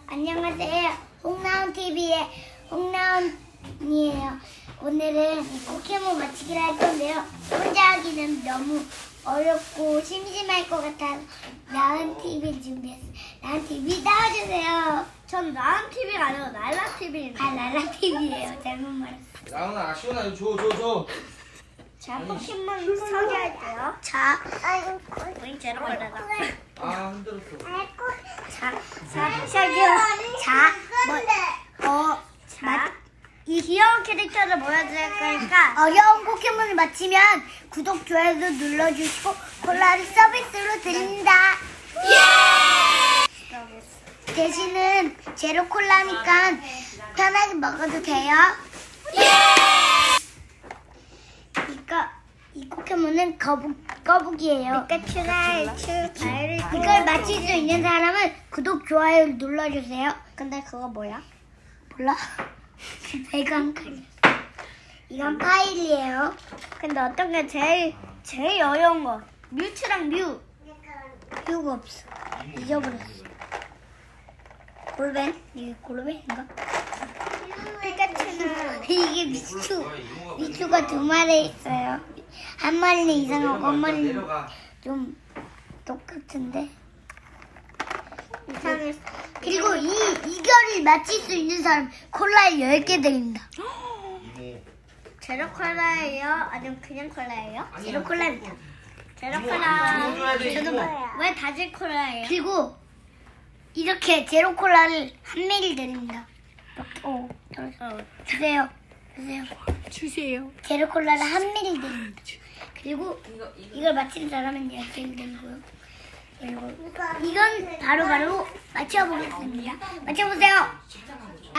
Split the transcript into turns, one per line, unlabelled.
안녕하세요. 홍나온TV의 홍나온이에요. 오늘은 포켓몬 맞히기를 할 건데요. 혼자 하기는 너무 어렵고 심심할 것 같아서 나은TV를 준비했어요. 나은TV 나와주세요.
전 나은TV가 아니고 랄라TV입니다.
아, 랄라TV예요. 잘못 말했어요.
나훈아, 시원아, 이거 줘.
자, 포켓몬 소개할게요.
자,
우린 제로 걸레다.
아, 힘들었어.
시작이요.
자,
이 귀여운 캐릭터를 보여드릴 거니까
어려운 포켓몬을 맞히면 구독, 좋아요도 눌러주시고 콜라를 서비스로 드립니다. 대신은 제로 콜라니까 편하게 먹어도 돼요. 이 포켓몬은 거북이에요.
피카츄가 발을
이걸 맞힐 수 있는 사람은 구독, 좋아요 눌러주세요.
근데 그거 뭐야?
몰라? 배가 한 칸이야. 이건 파일이에요.
근데 어떤 게 제일 어려운 거? 뮤츠랑 뮤.
이유가 없어. 잊어버렸어. 골벤? 이게 골벤인가?
피카츄는
이게 미추가 두 마리 있어요. 한 마리는 이상하고 한 마리는
내려가.
좀 똑같은데.
이상했어.
그리고 이거를 맞힐 수 있는 사람 콜라를 10개 드립니다.
이모.
제로 콜라예요? 아니면 그냥 콜라예요?
제로 콜라입니다.
제로
이모
콜라.
줘야 돼,
저도
이모.
왜 다질 콜라예요?
그리고 이렇게 제로 콜라를 한 매일 드립니다. 주세요.
주세요.
제로 콜라를 한 매일 드립니다. 그리고 이걸 맞히는 사람은 10개를 드리고요. 그리고 이건 바로 맞춰보겠습니다. 맞춰보세요.